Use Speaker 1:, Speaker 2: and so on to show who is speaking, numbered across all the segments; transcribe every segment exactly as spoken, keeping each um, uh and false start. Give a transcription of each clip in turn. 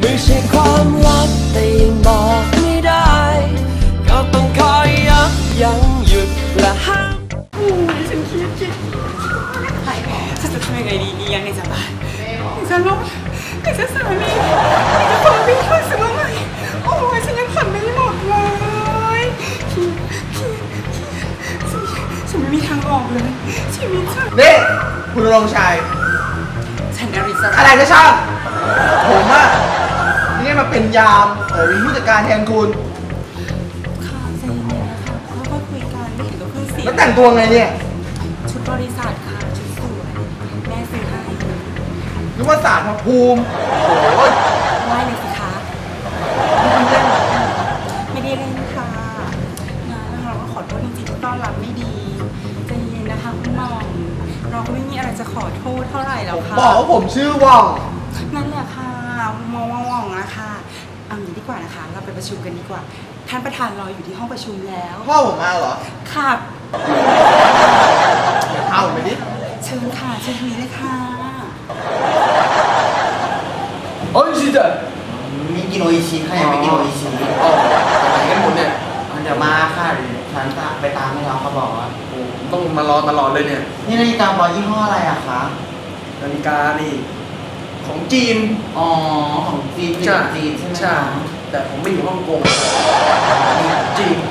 Speaker 1: ไม่ใช่ความลับแต่ยังบอกไม่ได้ก็ต้องคอยยับยั้งหยุดและห้าม
Speaker 2: ฉันคิดคิดฉันจะทำยังไงดีนี่ยังไงจะบ้าจะลบจะสามีจะพาพี่เข้าสู่ใหม่โอ้ยฉันยังผ่อนไม่หมดเลยพี่พี่ฉันไม่มีทางออกเลยชีวิตฉัน
Speaker 3: นี่คุณรงชัย
Speaker 2: ฉันอริสรา
Speaker 3: อะไรก็ช่างผมอะนี่มาเป็นยามเออเป็นผู้จัดการแทนคุณ
Speaker 2: ค่ะใจเย็นๆนะคะเขาก็คุยกันไม่เห็นก็คุยเสีย
Speaker 3: แล้วแต่งตัวไงเนี่ย
Speaker 2: ชุดบริษัทค่ะชุดสวยแม่ซื้อให้
Speaker 3: นึกว่าศาลพระภูมิโอ้ย
Speaker 2: ไหว้เลยสิคะไม่ได้เล่นค่ะนะเราก็ขอโทษจริงๆที่ต้อนรับไม่ดีใจเย็นนะคะคุณหม่อมเราก็ไม่มีอะไรจะขอโทษเท่าไหร่แล้วค่ะ
Speaker 3: บอกว่าผมชื่อว่อง
Speaker 2: นั่นแหละค่ะมองว่องนะคะเอางี้ดีกว่านะคะเราไปประชุมกันดีกว่าท่านประธานรออยู่ที่ห้องประชุมแล้ว
Speaker 3: พ่อผมมาเหรอ
Speaker 2: ค่ะ
Speaker 3: เอาไปดิ
Speaker 2: เชิญค่ะเชิญทางนี้เลยค่ะ
Speaker 3: โอ้ยชิจ๊ะ
Speaker 4: มีกินโออิชิค่ะยังไม่กินโออิชิ
Speaker 3: อ๋อไปไหนกันหมดเนี่ย
Speaker 4: เดี๋ยวมาค่ะฉันจะไปตามให้เราเขาบอกว่า
Speaker 3: ต้องมารอตลอดเลยเนี่ย
Speaker 4: นี่นาฬิกาบอลยี่ห้ออะไรอะคะ
Speaker 3: นาฬิกานี่ของจีน
Speaker 4: อ๋อของจีน
Speaker 3: ใช่
Speaker 4: จีนใช่ไหม
Speaker 3: ใช่แต่ผมไม่อยู่ฮ่องกงจีน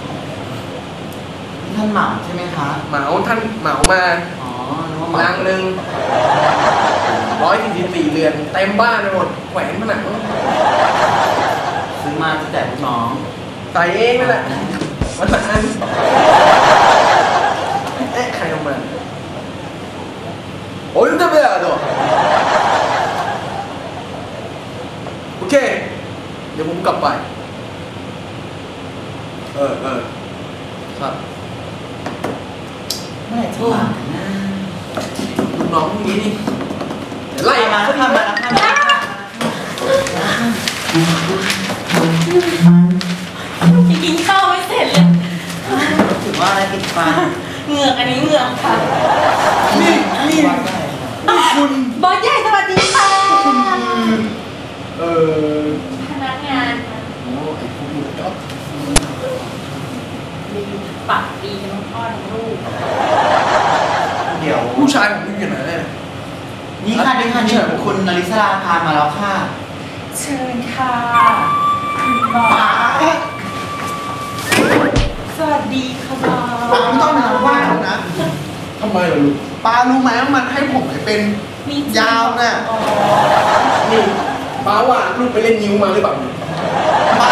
Speaker 4: ท่านเหมาใช่ไหมคะ
Speaker 3: เหมาท่านเหมามา
Speaker 4: อ๋อ
Speaker 3: ลังหนึ่งร้อยสี่สิบสี่เรือนเต็มบ้านไปหมดแขวนผนัง
Speaker 4: ซื้อมาจะแจกลูกน้อง
Speaker 3: ใส่เองนั่นแหละวันละอันเอ๊ะใครเอามาโอ้ยจะไปอะไรตัวโอเคเดี๋ยวผมกลับไปเออเออครับ
Speaker 4: เมื่อไหร่จะมานะ
Speaker 3: ลูกน้องพวกนี้นี่ไล่
Speaker 4: มาแล้วค่ะมาแล้วค่ะ
Speaker 2: กินข้าวไม่เสร็จเลย
Speaker 4: ถือว่าอะไรติดฟัน
Speaker 2: เหงือกอันนี้เหงือกค่ะ
Speaker 3: นี่นี่คุณ
Speaker 2: บอสใหญ่สวัสดีค่ะ
Speaker 3: คุณเอ่อ
Speaker 2: พนักงาน
Speaker 3: โอ้ไอ้พวกนี้ก็
Speaker 2: ปากดีทั้งพ่อทั้งลูก
Speaker 4: เดี๋ยว
Speaker 3: ผู้ชายผมอยู่ไหนเนี่ย
Speaker 4: นี่ค่ะนี่ค่ะนี่คุณนริศราพามาแล้วค่ะ
Speaker 2: เชิญค่ะคุณบอสสวัสดีค่ะบอส
Speaker 3: ป้าไม่ต้องมาว่าผมนะทำไมล่ะลูกป้ารู้ไหมว่ามันให้ผมเป็นยาวน่ะนี่ป้าว่าลูกไปเล่นนิ้วมาหรือเปล่าป้า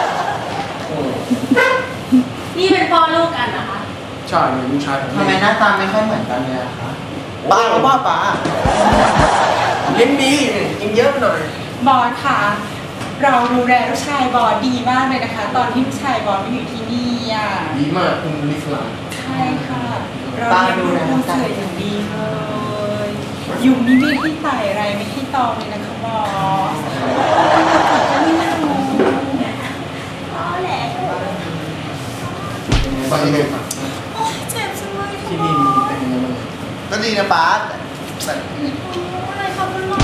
Speaker 2: นี่เป็นพ่อลูกกันนะคะ
Speaker 3: ใช่ลูกชายผม
Speaker 4: ทำไมหน้าตาไม่ค่อยเหมือนกันเลยอะคะ
Speaker 3: ป้าก็ว่าป้าเลี้ยงดีกินเยอะไปหน่อย
Speaker 2: บอสค่ะเราดูแลลูกชายบอสดีมากเลยนะคะตอนที่ลูกชายบอสมาอยู่ที่นี่อ่ะ
Speaker 3: ดีมากคุณลิสลา
Speaker 2: ใช่ค่ะเราดูแลลูกชายอย่างดีเลยอยู่นี่ไม่ให้ไต่อะไรไม่ให้ตองเลยนะคะบอสก็ไม่น่ารู้ก็แหละ
Speaker 3: ไปเลยค่ะ
Speaker 2: โอ้ยเจ็บจังเลย
Speaker 3: ที่นี่มีเป็นยังไงบ้าง
Speaker 4: ก็ดีนะป้า
Speaker 2: แต่อะไรคะคุณหมอ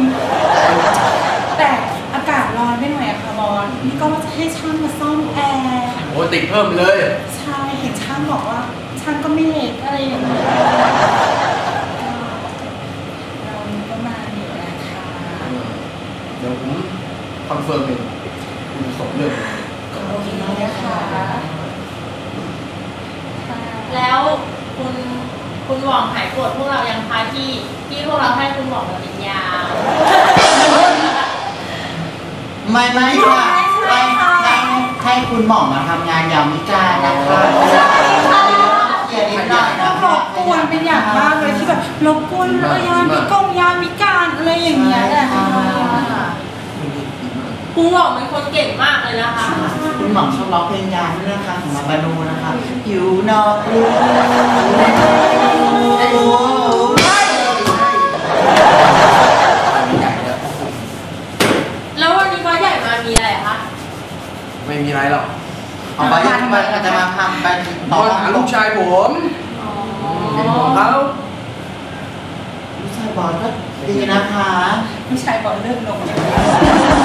Speaker 2: แต่อากาศร้อนไปหน่อยอะค่ะบอสนี่ก็ว่าจะให้ช่างมาซ่อมแอร์
Speaker 3: โอ้ติดเพิ่มเลย
Speaker 2: ใช่เห็นช่างบอกว่าช่างก็ไม่เล็กอะไรอย่างเงี้ยเราก็มาอยู่นะคะ
Speaker 3: เดี๋ยวผมคอนเฟิร์มเองคุณส่งเรื่อง
Speaker 2: โอเคนะคะ
Speaker 5: แล้วคุณคุณหว่องหายโกรธพวกเรายังคะที่ที่พวกเราให้คุณหว่องมาเป็นยา
Speaker 4: ไม่ไม่ค่ะให้ให้ให้คุณหม่อมมาทำงานยามวิกาลนะคะ
Speaker 2: ใช่ค่ะเกียรติหน่อยนะรบกวนเป็นอย่างมากเลยที่แบบรบกวนเลยยามวิกงยามวิการอะไรอย่างเงี้ยแหละ
Speaker 5: คุณหว่องเป็นคนเก่งมากเลยนะคะ
Speaker 4: คุณหม่อมชอบร้องเพลงยามด้วยนะคะของมาบานูนะคะอยู่นอกรู
Speaker 5: แล้ววันนี้บอสใหญ่มามีอะไรคะ
Speaker 3: ไม่มีอะไรหรอก
Speaker 4: เอาบอสใหญ่มาจะมาทำไป
Speaker 3: ต่อหาลูกชายผมเป็นของเขา
Speaker 4: ลูกชายบอสก็ดีนะคะ
Speaker 2: ลูกชายบอสเลิกลง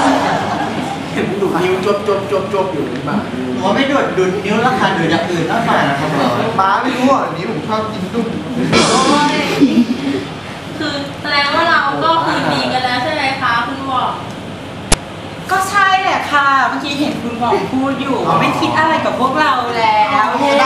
Speaker 3: ดูดนิ้วจบจบจบจบอยู่ในบ้าน
Speaker 4: หนูไม่ดูดดูดนิ้วแล้วค่ะดูดอย่างอื่นแล้วค่ะนะครับผม
Speaker 3: ป้าไม่รู้อ่ะนี้ผมชอบกินตุ้ม
Speaker 5: คือแสดงว่าเราก็คืนดีกันแล้วใช่ไหมคะคุณหว่อง
Speaker 2: ก็ใช่แหละค่ะเมื่อกี้เห็นคุณหมอพูดอยู่ว่าไม่คิดอะไรกับพวกเราแล้ว
Speaker 3: ได้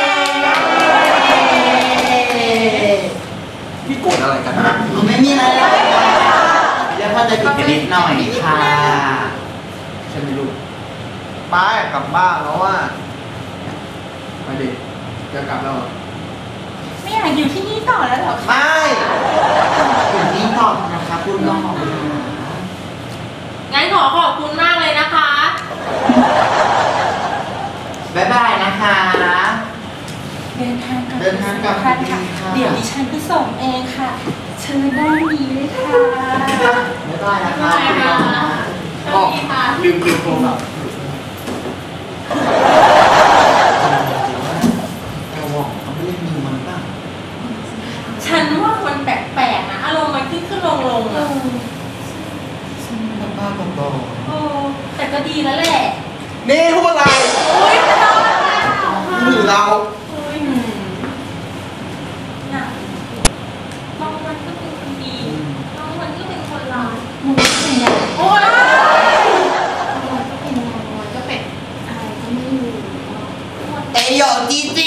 Speaker 3: พี่โกรธอะไรกันนะ
Speaker 4: ไม่มีอะไรแล้วแล้วก็จะติดกันนิดหน่อยค่ะ
Speaker 3: ใช่ไหมลูกป้าอยากกลับบ้านแล้วว่าไปดิจะกลับแล้วเหรอ
Speaker 2: ไม่อยากอยู่ที่นี่ต่อแล้วเหรอคะ
Speaker 3: ไม่
Speaker 4: ถึงนี้ก่อนนะคะคุณน้อง
Speaker 5: งั้นขอขอบคุณมากเลยนะคะ
Speaker 4: บ๊ายบายนะคะ
Speaker 2: เดินทางกลับ
Speaker 4: เดินทางกลับ
Speaker 2: ค่ะ
Speaker 4: ดีค่ะ
Speaker 2: เดี๋ยวดิฉันไปส่งเองค่ะเชิญด้านนี้เลยค่ะ
Speaker 4: บ๊ายบายนะคะ
Speaker 5: บ๊ายบายค่ะ
Speaker 3: อ๋อลืมลืมโทรศัพท์
Speaker 4: เราบอกเขาไม่เล่นมือมันบ้าง
Speaker 5: ฉันว่ามันแปลกๆนะ อารมณ์มันขึ้นขึ้นลงลงๆอะ
Speaker 4: บ้าๆบอ
Speaker 5: โอ้แต่ก็ดีแล้วแหละ
Speaker 3: นี่พูดอะไร
Speaker 5: โอ้ยจะเอาอะไรอ่ะ
Speaker 3: หรือเรา
Speaker 5: โอ้ยน่ะบางวันก็เป็นคนดีบางวันก็เป็นคนร้าย
Speaker 2: มึงเป็นยังไง
Speaker 5: โอ้ย
Speaker 2: มันก็เป็นยังไงมันก็เป็นอะไรก็ไม่รู้
Speaker 4: เอโยจีจี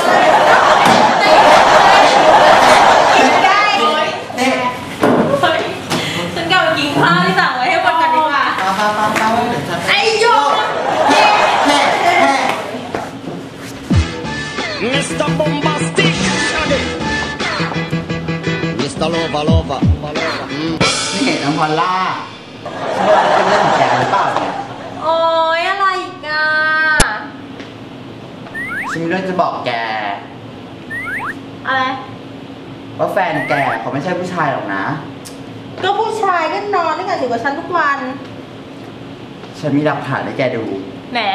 Speaker 2: ไม่ได้
Speaker 5: โอ้ย
Speaker 4: เด็ก
Speaker 5: เฮ้ยฉันกลับไปกินข้าวที่สั่งไว้ให้คนกันดีกว่า
Speaker 4: ป้าป้าป้าป้าเดี๋ยวฉัน
Speaker 5: ไอ้โยก
Speaker 4: แฮ่แฮ่แฮ่
Speaker 1: มิสเตอร์ Bombastic มิสเตอร์ Lova Lova
Speaker 4: นี่เห็นน้ำพอลล่าฉันว่าเป็นเรื่องของแกหรือเปล่าเนี่ย
Speaker 5: โอ้ยอะไรอีกอ่ะ
Speaker 4: ฉันมีเรื่องจะบอกแก
Speaker 5: อะไร
Speaker 4: ว่าแฟนแกเขาไม่ใช่ผู้ชายหรอกนะ
Speaker 5: ก็ผู้ชายก็นอนด้วยกันอยู่กับฉันทุกวัน
Speaker 4: ฉันมีหลักฐานให้แกดู
Speaker 5: แหน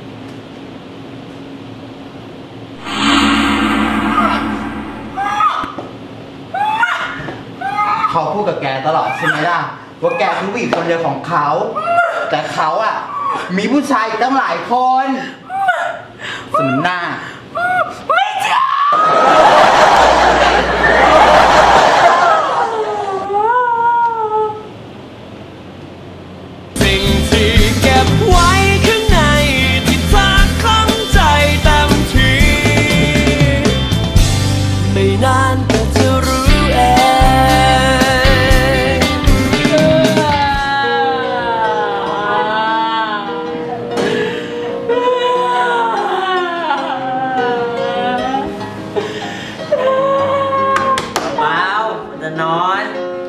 Speaker 4: เขาพูดกับแกตลอดใช่ไหมล่ะว่าแกคือผู้หญิงคนเดียวของเขา แต่เขาอ่ะ มีผู้ชายอีกตั้งหลายคนสมหน้า
Speaker 1: สิ่งที่เก็บไว้ข้างในที่เธอคล่องใจเต็มทีไม่นานก็จะรู้เอง
Speaker 6: เปล่ามันจะนอน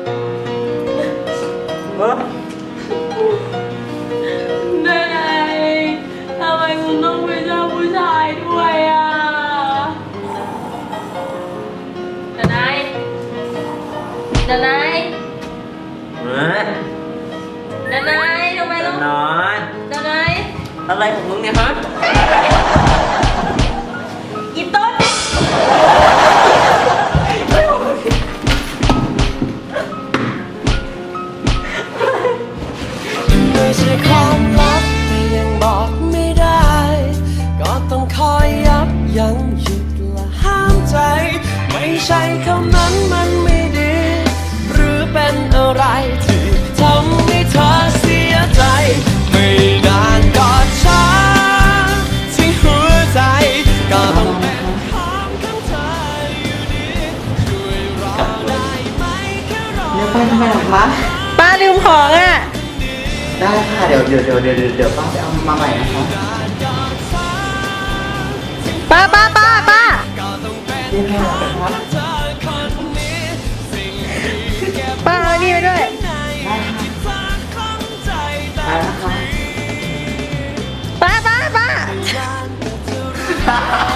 Speaker 6: เออ
Speaker 5: แม่ทำไมคุณต้องไปชอบผู้ชายด้วยอ่ะดนายดนาย
Speaker 6: เออ
Speaker 5: ดนายทำไม
Speaker 6: จะ
Speaker 5: ต้อง
Speaker 6: นอน
Speaker 5: ดนาย
Speaker 6: อะไรของมึงเนี่ยฮะ
Speaker 5: อีต้น
Speaker 1: ไม่ใช่ความลับแต่ยังบอกไม่ได้ ก็ต้องคอยยับยั้งหยุดและห้ามใจ ไม่ใช่คำนั้นมันไม่ดี หรือเป็นอะไรที่ทำให้เธอเสียใจ ไม่นานก็ช้าที่หัวใจก็ต้องเป็นของของเธออยู่ดีช่วยรอได้ไหมแค่รอ
Speaker 4: เดี๋ยวไปทำไมหรอคะ
Speaker 5: ป้าลืมของอ่ะ
Speaker 4: ได้ค่ะ เดี๋ยวเดี๋ยวเดี๋ยวเดี๋ยวเดี๋ยวป้าไปเอามาใหม่นะคะ
Speaker 5: ป้าป้าป้าป้า
Speaker 4: นี่ค่ะ
Speaker 5: ป้าเอานี่ไปด้วย
Speaker 4: ไปนะคะ
Speaker 5: ป้าป้าป้า
Speaker 4: ฮ่าฮ่า